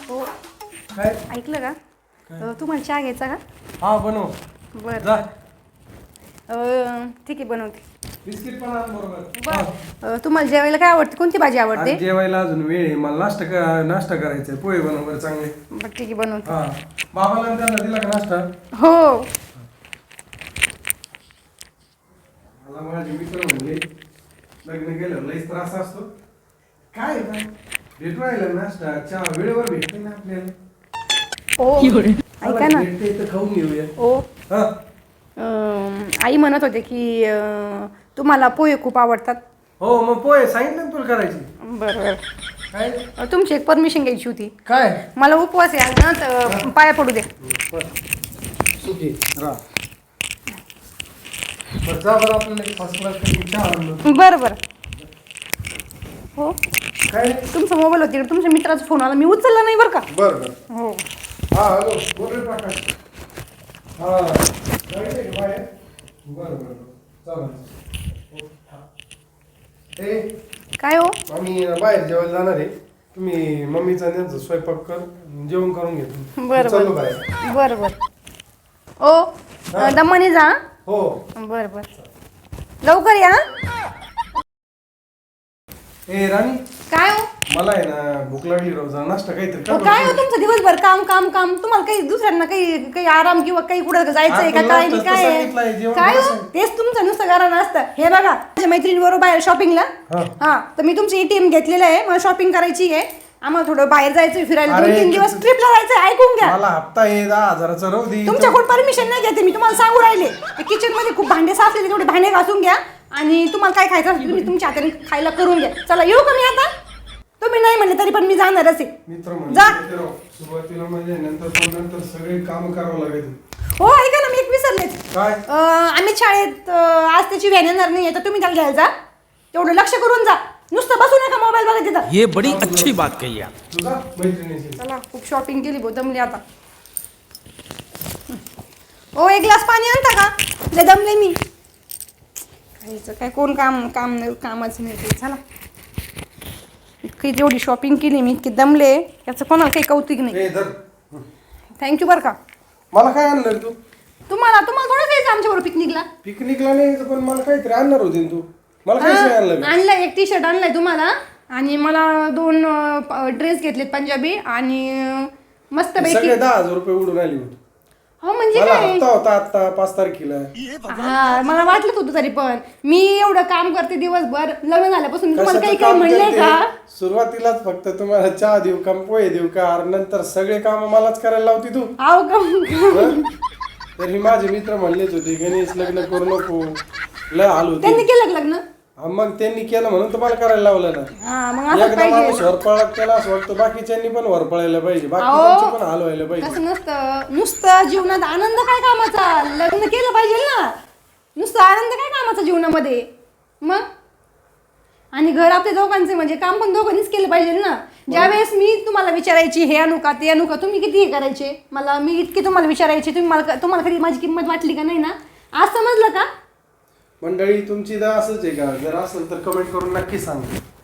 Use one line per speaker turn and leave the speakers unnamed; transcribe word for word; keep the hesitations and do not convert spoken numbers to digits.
हो
काय
ऐकलं का अ, तुम्हाला चहा घ्यायचा का?
हा बनव
बरं
जा
अ, ठीक आहे बनवते.
बिस्किट पण आण बरोबर
बरं अ, तुम्हाला जेवायला काय आवडते? कोणती भाजी आवडते?
आज जेवायला अजून वेळ आहे मला नाश्ता का नाश्ता करायचा आहे पोहे बनव बरं चांगले
बरं ठीक आहे बनवते.
हा बाबाला आणि त्यांना दिला का नाश्ता
हो
मला माझे मित्र म्हणले लग्न केलं लईच त्रास असतो काय आहे का भेटू राहिला नाश्ता चहा वेळेवर भेटते ना आपल्याला
ओ
चला,
ऐका ना
भेटते तर खाऊन घेऊया
ओ
हा
अं, आई म्हणत होते की अं, तुम्हाला पोहे खूप आवडतात.
हो मग पोहे सांगितलं ना तुला करायची
बरं बरं
काय
अ, तुमची एक परमिशन घ्यायची होती.
काय
मला उपवास आहे आज ना तर पाया पडू दे.
सुखी रा बरं जा बरं आपल्याला फर्स्ट क्लास चहा आणलं
बरं बरं हो
काय
तुमचा मोबाईल होती तुमच्या मित्राचा फोन आला मी उचलला नाही बरं का.
बरं बरं
हो
हा हॅलो बोल रे प्रकाश हा जायचंय का बाहेर बरं बरं चालेल ए
काय हो
आम्ही बाहेर जेवायला जाणार आहे तुम्ही मम्मीचा त्यांचा स्वयंपाक कर जेवण करून घेतो
बरं
चाललो
बरं
बाहेर
बरं बरं ओ अ, दमाने जा हं?
हो
बरं बरं लवकर या
ए राणी
काय हो
मला आहे ना भूक लागली राव जरा नाश्ता काहीतरी
अहो,
कर
काय हो
बरं.
तुमचं दिवसभर काम काम काम तुम्हाला काही दुसऱ्यांना काही काही आराम किंवा काही कुठं जायचंय का
आपण
काय
नाश्ताच
काय
तर
आहे?
सांगितलंय, जेवण
काय हो
कसं?
तेच तुमचं नुसतं कारण असतं हे बघा माझ्या मैत्रिणी बरोबर बाहेर शॉपिंगला
हा.
हा तर मी तुमची एटीएम घेतलेलं आहे मला शॉपिंग करायची आहे आम्हाला थोडं बाहेर जायचं फिरायला दोन
अरे,
तीन दिवस ट्रिपला जायचं ऐकून घ्या
मला हप्ता आहे दहा हजाराचा राहू दे
तुमच्याकडून परमिशन नाही घेते मी तुम्हाला सांगू राहिले किचन मध्ये खूप भांडे साचलेले तेवढे भांडे घासून घ्या आणि तुम्हाला काय खायचं असेल तुम्ही तुमच्या हाताने खायला करून घ्या चला येऊ का मी आता तुम्ही नाही म्हणले तरी पण मी जाणारच आहे
मित्र
जा.
म्हणजे राव सुरुवातीला म्हणजे नंतर पण नंतर सगळे काम करावं लागेल
हो ऐका ना मी एक विसरलेच
काय
अं, आम्ही शाळेत अं, आज त्याची व्हॅन येणार नाही तर तुम्ही त्याला घ्यायला जा तेवढं लक्ष करून जा नुसतं बसू नका मोबाईल बघत तिथं
ये बड़ी अच्छी बात कही आप.
तुझा मैत्रिणीची
चला खूप शॉपिंग केली बहुत दमली आता ओ एक ग्लास पाणी आणता का लय दमले मी काहीच काय कोण काम काम नाही कामाचं नाही ते चला इतकी जेवढी शॉपिंग केली मी इतकी दमले याचं कोणाला काही कौतुक नाही
ए धर
थँक्यू बरं का
मला काय आणलं रे तू
तुम्हाला तुम्हाला थोडं जायचं आमच्याबरोबर पिकनिकला
पिकनिकला नाही यायचं, पण मला काहीतरी आणणार होती ना तू मला काहीच नाही आणलं मी.
आणलाय एक टी शर्ट आणलाय तुम्हाला आणि मला दोन ड्रेस घेतलेत पंजाबी आणि मस्त पैकी
सगळे दहा हजार रुपये उडून आली होती
हो म्हणजे
मला
काय
हप्ता होता आता पाच तारखेला
हा मला वाटलं होतं तरी पण मी एवढं काम करते दिवसभर लग्न झाल्यापासून मी तुम्हाला
कशाचं
काही काही
काम
म्हणलंय
करते?
का
सुरुवातीलाच फक्त तुम्हाला चहा देऊ का पोहे देऊ का अरे नंतर सगळे काम मलाच करायला लावती तू
आव का
हं? तर ही माझे मित्र म्हणलेच होते गणेश लग्न करू नको लय हाल होते
त्यांनी केलं का लग्न
हा, मग त्यांनी केलं म्हणून तुम्हाला करायला लावलं ना
हा मग असं
एकदा माणूस
पाहिजे
वरपळा केला असं वाटतं बाकीच्यांनी पण वरपळायला पाहिजे
अहो.
बाकीच्यांची पण हाल व्हायला पाहिजे
तसं नसतं नुसतं जीवनात आनंद काय कामाचा लग्न केलं पाहिजे ना नुसतं आनंद काय कामाचा जीवनामध्ये मग आणि घर आपल्या दोघांचे म्हणजे काम पण दोघांनीच केलं पाहिजे ना ज्यावेळेस मी तुम्हाला विचारायची हे आणू का ते आणू का तुम्ही किती हे करायचे मला मी इतकी तुम्हाला विचारायची तुम्ही मला तुम्हाला कधी माझी किंमत वाटली का नाही ना आज समजलं का
मंडळी तुमची दा असंच आहे का जर असेल तर कमेंट करून नक्की सांगा